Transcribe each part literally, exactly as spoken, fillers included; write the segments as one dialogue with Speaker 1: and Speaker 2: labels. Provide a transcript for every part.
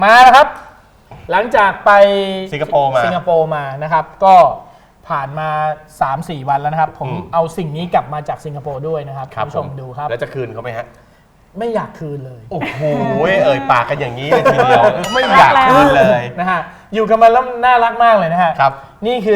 Speaker 1: มาแล้วครับหลังจากไป
Speaker 2: สิงคโปร์มา
Speaker 1: สิงคโปร์มานะครับก็ผ่านมา สามสี่ วันแล้วนะครับผมเอาสิ่งนี้กลับมาจากสิงคโปร์ด้วยนะครับคุณผู้ชมดูครับ
Speaker 2: แล้วจะคืนเขาไหมฮะ
Speaker 1: ไม่อยากคืนเลย
Speaker 2: โอ้โหเอ่ยปากกันอย่างนี้เลยทีเดียวไม่อยากคืนเลย
Speaker 1: นะฮะอยู่กันมาแล้วน่ารักมากเลยนะฮะ
Speaker 2: ครับ
Speaker 1: นี่คือ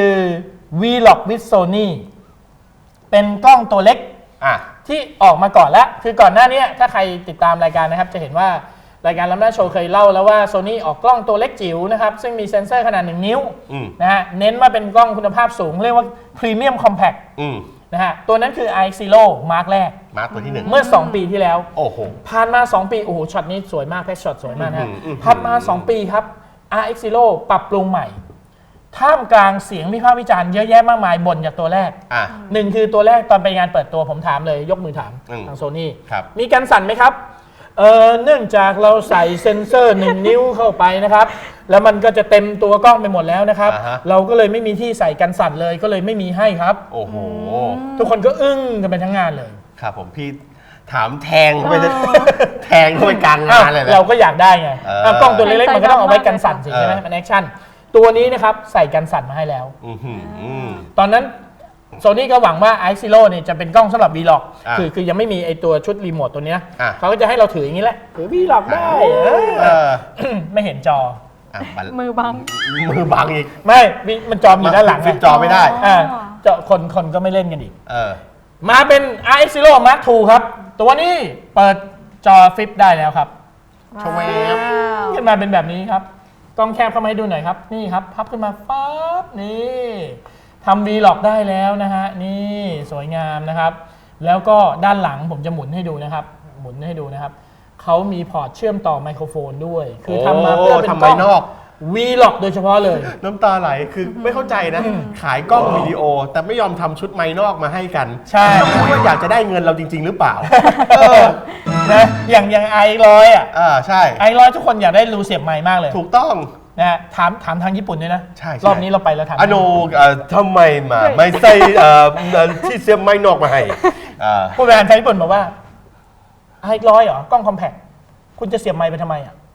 Speaker 1: Vlog with Sony เป็นกล้องตัวเล็กที่ออกมาก่อนแล้วคือก่อนหน้านี้ถ้าใครติดตามรายการนะครับจะเห็นว่ารายการล้ำหน้าโชว์เคยเล่าแล้วว่า Sony ออกกล้องตัวเล็กจิ๋วนะครับซึ่งมีเซ็นเซอร์ขนาดหนึ่งนิ้วนะฮะเน้นว่าเป็นกล้องคุณภาพสูงเรียกว่า Premium Compact นะฮะตัวนั้นคือ ไอ เอ็กซ์ ซี โร่ มาร์คแรก
Speaker 2: มาร์คตัวที่หนึ่ง
Speaker 1: เมื่อสองปีที่แล้ว
Speaker 2: โอ้โห
Speaker 1: ผ่านมาสองปีโอ้โหช็อตนี้สวยมากแพ็คช็อตสวยมากนะผ่านมาสองปีครับ อาร์ เอ็กซ์ ซี โร่ ปรับปรุงใหม่ท่ามกลางเสียงวิพากษ์วิจารณ์เยอะแยะมากมายบ่นจากตัวแรกหนึ่งคือตัวแรกตอนไปงานเปิดตัวผมถามเลยยกมือถามทางโซนี่มีกันสั่นไหมครับเออเนื่องจากเราใส่เซ็นเซอร์หนึ่งนิ้วเข้าไปนะครับแล้วมันก็จะเต็มตัวกล้องไปหมดแล้วนะครับเราก็เลยไม่มีที่ใส่กันสั่นเลยก็เลยไม่มีให้ครับ
Speaker 2: โอ้โห
Speaker 1: ทุกคนก็อึ้งกันไปทั้งงานเลย
Speaker 2: ครับผมพี่ถามแทงเข้าไปแทงเข้าไปกลางงานเลย
Speaker 1: เราก็อยากได้ไงกล้องตัวเล็กๆมันก็ต้องเอาไว้กันสั่นสิใช่ไหมมันแอคชั่นตัวนี้นะครับใส่กันสั่นมาให้แล้วตอนนั้นโซนี่ก็หวังว่า ไอ เอ็กซ์ ซี โร่ เนี่ยจะเป็นกล้องสำหรับ Vlog คือคือยังไม่มีไอตัวชุดรีโมทตัวนี้เขาก็จะให้เราถืออย่างนี้แหละถือ Vlog ได้ไม่เห็นจอ
Speaker 3: มือบัง
Speaker 2: มือบังอีก
Speaker 1: ไม่มันจออยู่ด้านหลัง
Speaker 2: ฟิปจอไม่ได้
Speaker 1: จอคนคนก็ไม่เล่นกันอีกมาเป็น ไอ เอ็กซ์ ซี โร่ มาร์ค ทู ครับตัวนี้เปิดจอฟิปได้แล้วครับ
Speaker 2: ชวบ
Speaker 1: ขึ้นมาเป็นแบบนี้ครับกล้องแคบเข้ามาให้ดูหน่อยครับนี่ครับพับขึ้นมาปั๊บนี่ทำ Vlog ได้แล้วนะฮะนี่สวยงามนะครับแล้วก็ด้านหลังผมจะหมุนให้ดูนะครับหมุนให้ดูนะครับเขามีพอร์ตเชื่อมต่อไมโครโฟนด้วยคือทำมาเพื่อเป็นกล้องนอก Vlog โดยเฉพาะเลย
Speaker 2: น้ำตาไหลคือไม่เข้าใจนะขายกล้องวิดีโอแต่ไม่ยอมทำชุดไมค์นอกมาให้กัน
Speaker 1: ใช่
Speaker 2: ว่าอยากจะได้เงินเราจริงๆหรือเปล่า
Speaker 1: นะอย่างอย่างไอร้อยอ่ะ
Speaker 2: อ่าใช่
Speaker 1: ไอร้อยทุกคนอยากได้รูเสียบไมค์มากเลย
Speaker 2: ถูกต้อง
Speaker 1: นะถามถามทางญี่ปุ่นด้วยนะ
Speaker 2: ใช่
Speaker 1: รอบนี้เราไปแล้วถาม
Speaker 2: อโนทำไมมาไม่ใส่ที่เสียบไมค์นอกมาให้
Speaker 1: ผู้บริหารทางญี่ปุ่นบอกว่าไอร้อยเหรอกล้องคอมแพคคุณจะเสียบไมค์ไปทำไมอ่ะ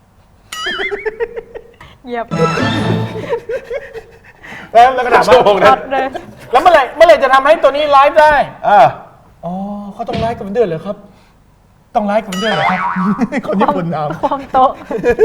Speaker 3: เหยียบ
Speaker 1: แล้วแล้วก็ถามว่าแล้วเมื่อไหร่เมื่อไหร่จะทำให้ตัวนี้ไลฟ์ได้อ๋อเขาต้องไลฟ์กับเดือนเหรอครับต้องไลฟ์กับเดือนเหรอครับคนญี่ปุ่นเอา
Speaker 3: ความโต๊ะ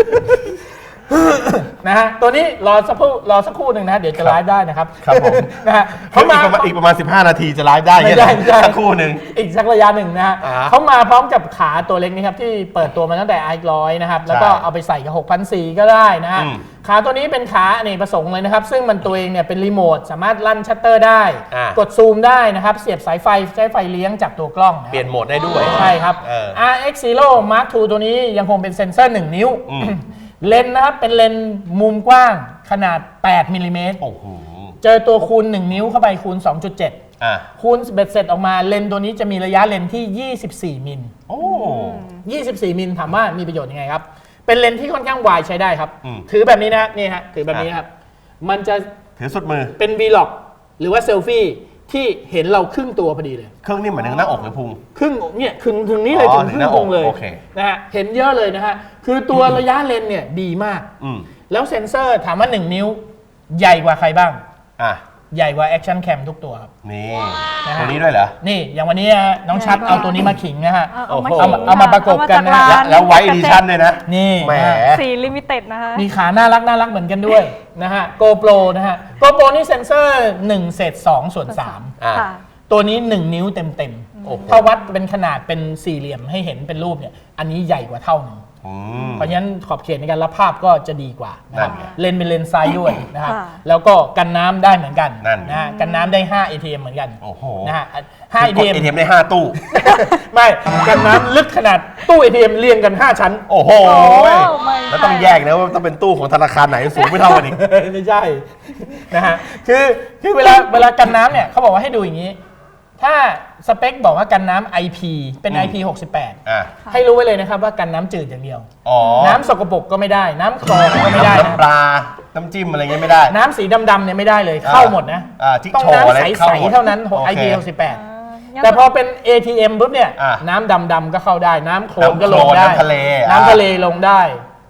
Speaker 1: นะฮะตัวนี้รอสักครู่รอสักครู่หนึ่งนะเดี๋ยวจะไลฟ์ได้นะครับ
Speaker 2: ครับผม
Speaker 1: นะฮะ
Speaker 2: เขามาอีกประมาณสิบห้านาทีจะไลฟ์ได้
Speaker 1: ไม่ได้
Speaker 2: สักครู่หนึ่ง
Speaker 1: อีกสักระยะหนึ่งนะฮะเขามาพร้อมกับขาตัวเล็กนี่ครับที่เปิดตัวมาตั้งแต่ ไอ ร้อยนะครับแล้วก็เอาไปใส่กับ หกพันสี่ร้อย ก็ได้นะฮะขาตัวนี้เป็นขาอเนกประสงค์เลยนะครับซึ่งมันตัวเองเนี่ยเป็นรีโมทสามารถลั่นชัตเตอร์ได้กดซูมได้นะครับเสียบสายไฟใช้ไฟเลี้ยงจากตัวกล้อง
Speaker 2: เปลี่ยนโหมดได้ด้วย
Speaker 1: ใช่ครับ อาร์ เอ็กซ์ ซี โร่ มาร์ค ทู ตัวนี้ยังคงเป็นเซ็นเซอร์หนึ่งนิ้วเลนส์นะครับเป็นเลนส์มุมกว้างขนาดแปดมิลลิเมตรเจอตัวคูณหนึ่งนิ้วเข้าไปคูณ สองจุดเจ็ด คูณเบ็ดเสร็จออกมาเลนส์ตัวนี้จะมีระยะเลนส์ที่ยี่สิบสี่มิลโอ้ยี่สิบสี่มิลถามว่ามีประโยชน์ยังไงครับเป็นเลนส์ที่ค่อนข้างวายใช้ได้ครับถือแบบนี้นะนี่ฮะถือแบบนี้ครับมันจะ
Speaker 2: ถือสุดมือ
Speaker 1: เป็น Vlog หรือว่าเซลฟี่ที่เห็นเราครึ่งตัวพอดีเลย
Speaker 2: ครึ่งนี่เหมือนหน้าอกหรือพุง
Speaker 1: ครึ่งเนี่ยถึงถึงนี้เลยถึงครึ่งพุงเลยนะฮะเห็นเยอะเลยนะฮะคือตัวระยะเลนเนี่ยดีมากแล้วเซ็นเซอร์ถามว่าหนึ่งนิ้วใหญ่กว่าใครบ้างอ่ะใหญ่กว่าแอคชั่นแคมทุกตัวครับ
Speaker 2: นี่ตัวนี้ด้วยเหรอ
Speaker 1: นี่อย่างวันนี้น้องชัดเอาตัวนี้มาขิงนะฮะเอาเอามาประกบกันนะ
Speaker 2: แล้วไวท์ดิชั่นเลยนะ
Speaker 1: นี่
Speaker 2: แหม
Speaker 3: สีลิมิเต็ดนะคะ
Speaker 1: มีขาน่ารักน่ารักเหมือนกันด้วยนะฮะ GoPro นะฮะ GoPro นี่เซ็นเซอร์หนึ่งเศษสองส่วนสามตัวนี้หนึ่งนิ้วเต็มๆถ้าวัดเป็นขนาดเป็นสี่เหลี่ยมให้เห็นเป็นรูปเนี่ยอันนี้ใหญ่กว่าเท่านึงเพราะฉะนั้นขอบเขตในการรับภาพก็จะดีกว่านะครับเลนเป็นเลนซ้ายด้วยนะครับแล้วก็กันน้ำได้เหมือนกันนะฮะกันน้ำได้ห้า เอ ที เอ็ม เหมือนกันนะฮะ
Speaker 2: ห้า เอ ที เอ็ม เอ ที เอ็ม ได้ห้าตู้
Speaker 1: ไม่กันน้ำลึกขนาดตู้ เอ ที เอ็ม เรียงกันห้าชั้น
Speaker 2: โอ้โหแล้วต้องแยกนะว่าต้องเป็นตู้ของธนาคารไหนสูงไม่เท่ากันอีก
Speaker 1: ไม่ใช่นะฮะคือคือเวลาเวลากันน้ำเนี่ยเขาบอกว่าให้ดูอย่างนี้ถ้าสเปคบอกว่ากันน้ำ ไอ พี เป็น ไอ พี หกสิบแปดให้รู้ไว้เลยนะครับว่ากันน้ำจืดอย่างเดียวน้ำสกปรกก็ไม่ได้น้ำคลองก็ไม่ได้
Speaker 2: น้ำปลาน้ำจิ้มอะไรเงี้ยไม่ได้
Speaker 1: น้ำสีดำๆเนี่ยไม่ได้เลยเข้าหมดนะต้องน้ำใสๆเท่านั้น ไอ พี หกสิบแปดแต่พอเป็น เอ ที เอ็ม ปุ๊บเนี่ยน้ำดำๆก็เข้าได้น้ำโคลนก็ลงได้
Speaker 2: น้ำทะเล
Speaker 1: น้ำทะเลลงได้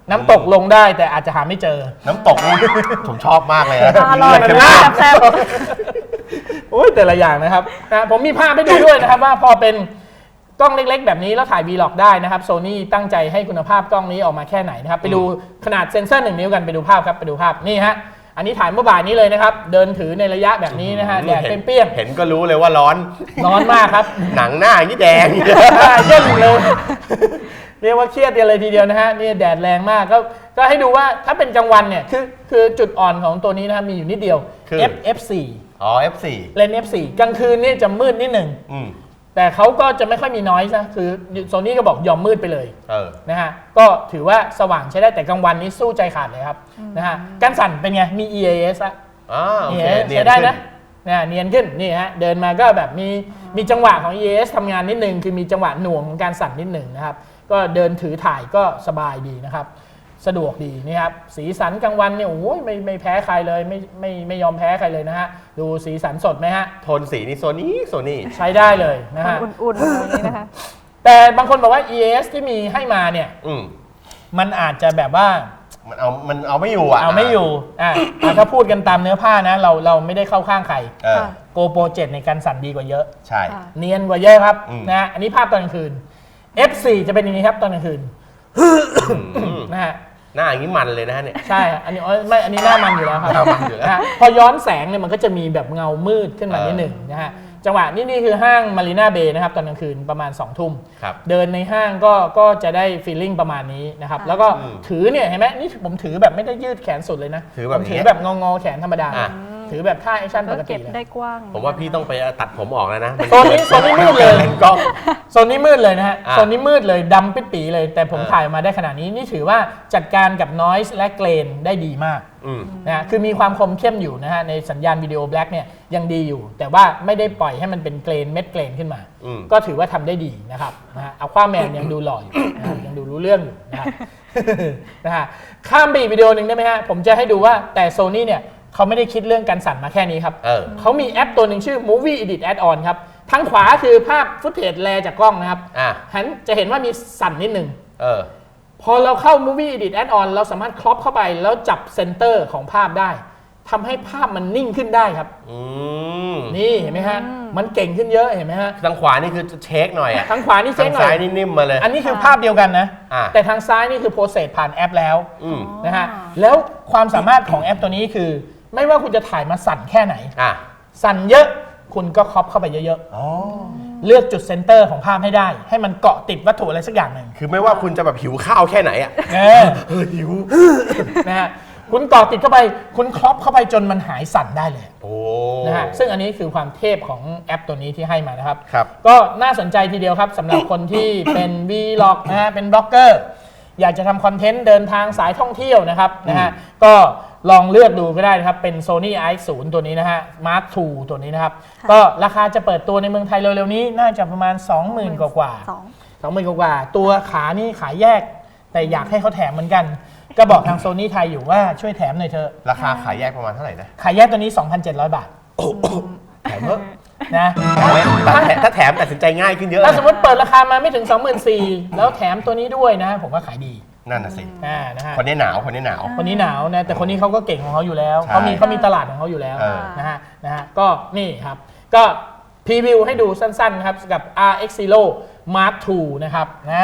Speaker 1: น้ำตกลงได้แต่อาจจะหาไม่เจอ
Speaker 2: น้ำตกนี่ ผมชอบมากเลยนะ
Speaker 3: อร่อย
Speaker 2: เลื
Speaker 3: มาก
Speaker 2: เข้ม
Speaker 3: แซ่บ
Speaker 1: โอ้ยแต่ละอย่างนะครับนะผมมีภาพให้ดูด้วยนะครับว่าพอเป็นกล้องเล็กๆแบบนี้แล้วถ่าย วีล็อก ได้นะครับโซนี่ตั้งใจให้คุณภาพกล้องนี้ออกมาแค่ไหนนะครับไปดูขนาดเซ็นเซอร์หนึ่งนิ้วกันไปดูภาพครับไปดูภาพนี่ฮะอันนี้ถ่ายเมื่อบ่ายนี้เลยนะครับเดินถือในระยะแบบนี้นะฮะแดดเปรี้ยง
Speaker 2: เห็นก็รู้เลยว่าร้อน
Speaker 1: ๆร้อนมากครับ
Speaker 2: หนังหน้าอย่างนี้แดง
Speaker 1: หน้าเย่นเลย เรียกว่าเครียดกันเลยทีเดียวนะฮะนี่แดดแรงมากก็ก็ให้ดูว่าถ้าเป็นกลางวันเนี่ยคือคือจุดอ่อนของตัวนี้นะครับมีอยู่นิดเดียว
Speaker 2: คือ
Speaker 1: F เอฟ โฟร์
Speaker 2: อ๋อ เอฟ โฟร์
Speaker 1: เลนส์ เอฟ โฟร์ กลางคืนนี่จะมืดนิดหนึ่ง
Speaker 2: อืม
Speaker 1: แต่เขาก็จะไม่ค่อยมีน้อยนะคือโซนี่ก็บอกยอมมืดไปเลย
Speaker 2: เออ
Speaker 1: นะฮะก็ถือว่าสว่างใช้ได้แต่กลางวันนี้สู้ใจขาดเลยครับนะฮะการสั่นเป็นไงมี อี เอ เอส อะ
Speaker 2: อ่าโอเค
Speaker 1: เอ
Speaker 2: เนีย
Speaker 1: ใช้
Speaker 2: น
Speaker 1: ได้
Speaker 2: ขึ้น
Speaker 1: นะเนี่ยเนียนขึ้นนี่ฮะเดินมาก็แบบมีมีจังหวะของ อี เอ เอส ทำงานนิดนึงคือมีจังหวะหน่วงของการสั่นนิดหนึ่งนะครับก็เดินถือถ่ายก็สบายดีนะครับสะดวกดีนี่ครับสีสันกลางวันเนี่ยโอ้ยไม่ไม่แพ้ใครเลยไม่ไม่ไม่ยอมแพ้ใครเลยนะฮะดูสีสันสดไหมฮะ
Speaker 2: โทนสีนี่โซนี่โซนี่
Speaker 1: ใช้ได้เลยนะฮะ
Speaker 3: อุ่นๆอะไรอย่างนี้นะคะ
Speaker 1: แต่บางคนบอกว่า อี เอ เอส ที่มีให้มาเนี่ย
Speaker 2: อืม
Speaker 1: มันอาจจะแบบว่า
Speaker 2: มันเอามันเอาไม่อยู่อ่ะ
Speaker 1: เอาไม่อยู่อ่ะอ่ะถ้าพูดกันตามเนื้อผ้านะเราเราไม่ได้เข้าข้างใคร
Speaker 2: เออ
Speaker 3: ค่ะ
Speaker 1: โกโปรเจ็ดในการสั่นดีกว่าเยอะ
Speaker 2: ใช่
Speaker 3: ค่ะ
Speaker 1: เนียนกว่าเยอะครับ
Speaker 2: อืม
Speaker 1: นะฮะอันนี้ภาพตอนกลางคืน เอฟ โฟร์ จะเป็นอย่างนี้ครับตอนกลางคืน
Speaker 2: อืม
Speaker 1: นะฮะ
Speaker 2: หน้าอย่างนี้มันเลยนะฮะเนี่ย
Speaker 1: ใช่ฮะอันนี้อ๋อไม่อันนี้หน้ามันอยู่แล้วครับ
Speaker 2: หน้ามันอยู่แล้ว
Speaker 1: นะฮะพอย้อนแสงเนี่ยมันก็จะมีแบบเงามืดขึ้นมานิดหนึ่งนะฮะจังหวะนี่นี่คือห้างมารีนาเบย์นะครับตอนกลางคืนประมาณสองทุ่ม
Speaker 2: ครับ
Speaker 1: เดินในห้างก็ก็จะได้ฟีลลิ่งประมาณนี้นะครับ
Speaker 3: ค่ะ
Speaker 1: แล้วก็
Speaker 2: อืม
Speaker 1: ถือเนี่ยเห็นไหมนี่ผมถือแบบไม่ได้ยืดแขนสุดเลยนะ
Speaker 2: ถือแบบ
Speaker 1: ผมถือ
Speaker 2: นี้
Speaker 1: แบบงองอๆแขนธรรมดา
Speaker 2: อ่ะ
Speaker 1: ถือแบบท่าแอคชั่นป
Speaker 3: ก็
Speaker 1: กติ
Speaker 3: เก็บ
Speaker 1: เลย
Speaker 3: ได้กว้าง
Speaker 2: ผมว่าพี่ต้องไปตัดผมออกแล้วนะ
Speaker 1: โซนนี้โซนนี้มืดเลย
Speaker 2: เลนกล้อง
Speaker 1: โซนนี้มืดเลยนะฮะ
Speaker 2: อ่ะ
Speaker 1: โซนนี้มืดเลยดำปิดปีเลย แต่ผม
Speaker 2: เออ
Speaker 1: ถ่ายมาได้ขนาดนี้นี่ถือว่าจัดการกับ noise และเกรนได้ดีมาก
Speaker 2: อืม
Speaker 1: นะฮะคือมีความคมเข้มอยู่นะฮะในสัญญาณวิดีโอแบล็กเนี่ยยังดีอยู่ แต่ว่าไม่ได้ปล่อยให้มันเป็นเกรนเม็ดเกรนขึ้นมา
Speaker 2: อืม
Speaker 1: ก็ถือว่าทำได้ดีนะครับนะฮะเอาคว้าแมนยังดูหล่ออยู่นะครับยังดูรู้เรื่องอยู่นะครับ นะฮะข้ามไปอีกวิดีโอหนึ่งได้ไหมฮะผมจะให้ดูว่าแต่โซนี่เนี่ยเขาไม่ได้คิดเรื่องการสั่นมาแค่นี้ครับ
Speaker 2: เออ
Speaker 1: เขามีแอปตัวหนึ่งชื่อ Movie Edit Add-on ครับทางขวาคือภาพฟุตเทจแลจากกล้องนะครับ
Speaker 2: อ่ะ
Speaker 1: หันจะเห็นว่ามีสั่นนิดหนึ่ง
Speaker 2: เออ
Speaker 1: พอเราเข้า Movie Edit Add-on เราสามารถครอปเข้าไปแล้วจับเซนเตอร์ของภาพได้ทำให้ภาพมันนิ่งขึ้นได้ครับ
Speaker 2: อืม
Speaker 1: นี่เห็นไหมฮะ มันเก่งขึ้นเยอะเห็นไหมฮะ
Speaker 2: ทางขวานี่คือจะเช็คหน่อยอ่ะ
Speaker 1: ทางขวานี่เช็
Speaker 2: ทา
Speaker 1: ค
Speaker 2: ง
Speaker 1: หน่
Speaker 2: ซ้า
Speaker 1: อย ย
Speaker 2: นี่นิ่มมาเลย
Speaker 1: อันนี้คือภาพเดียวกันนะ
Speaker 2: อ่ะ
Speaker 1: แต่ทางซ้ายนี่คือโปรเซสผ่านแอปแล้ว
Speaker 2: อืม
Speaker 1: นะฮะแล้วความสามารถของแอปตัวนี้คือ ไม่ว่าคุณจะถ่ายมาสั่นแค่ไหน
Speaker 2: อ่ะ
Speaker 1: สั่นเยอะคุณก็ครอปเข้าไปเยอะ
Speaker 2: อ๋อ
Speaker 1: ๆ เลือกจุดเซนเตอร์ของภาพให้ได้ ให้มันเกาะติดวัตถุอะไรสักอย่างหนึ่ง
Speaker 2: คือไม่ว่าคุณจะแบบหิวข้าวแค่ไหนอ่ะ
Speaker 1: เออ
Speaker 2: เฮ้ยหิว
Speaker 1: นะฮะคุณเกาะติดเข้าไป คุณครอปเข้าไปจนมันหายสั่นได้เลย
Speaker 2: โอ้
Speaker 1: นะฮะซึ่งอันนี้คือความเทพของแอปตัวนี้ที่ให้มานะครับ
Speaker 2: ครับ
Speaker 1: ก็น่าสนใจทีเดียวครับสำหรับคนที่เป็น วีล็อก นะฮะเป็นบล็อกเกอร์อยากจะทำคอนเทนต์เดินทางสายท่องเที่ยวนะครับนะฮะก็ลองเลือกดูก็ได้นะครับเป็น Sony ไอ เอ็กซ์ ศูนย์ ตัวนี้นะฮะ Mark ทู ตัวนี้นะครับ ก็ราคาจะเปิดตัวในเมืองไทยเร็วๆนี้น่าจะประมาณ สองหมื่น กว่าๆ
Speaker 3: สอง
Speaker 1: สองหมื่นกว่าๆตัวขานี่ขายแยก แต่อยากให้เขาแถมเหมือนกัน ก็บอกทาง Sony ไทยอยู่ว่าช่วยแถมหน่อยเถอะ
Speaker 2: ราคาขายแยกประมาณเท่าไหร่นะ
Speaker 1: ขายแยกตัวนี้ สองพันเจ็ดร้อย บาท
Speaker 2: แถมเถอะ
Speaker 1: นะ
Speaker 2: ถ้าแถมถ้าแถมตัดสินใจง่ายขึ้นเยอะ
Speaker 1: ถ้าสมมติเปิดราคามาไม่ถึง สองหมื่นสี่พัน แล้วแถมตัวนี้ด้วยนะ ผมว่าขายดี
Speaker 2: นั่นน่ะสิ
Speaker 1: อ่านะฮะ
Speaker 2: คนนี้หนาว คนนี้หนาว
Speaker 1: คนนี้หนาวนะแต่คนนี้เขาก็เก่งของเขาอยู่แล้ว
Speaker 2: ใช่
Speaker 1: เขามีเขามีตลาดของเขาอยู่แล้ว
Speaker 2: เออ
Speaker 1: นะฮะนะฮะก็นี่ครับก็พรีวิวให้ดูสั้นๆครับกับ อาร์ เอ็กซ์ Zero Mark ทูนะครับนะ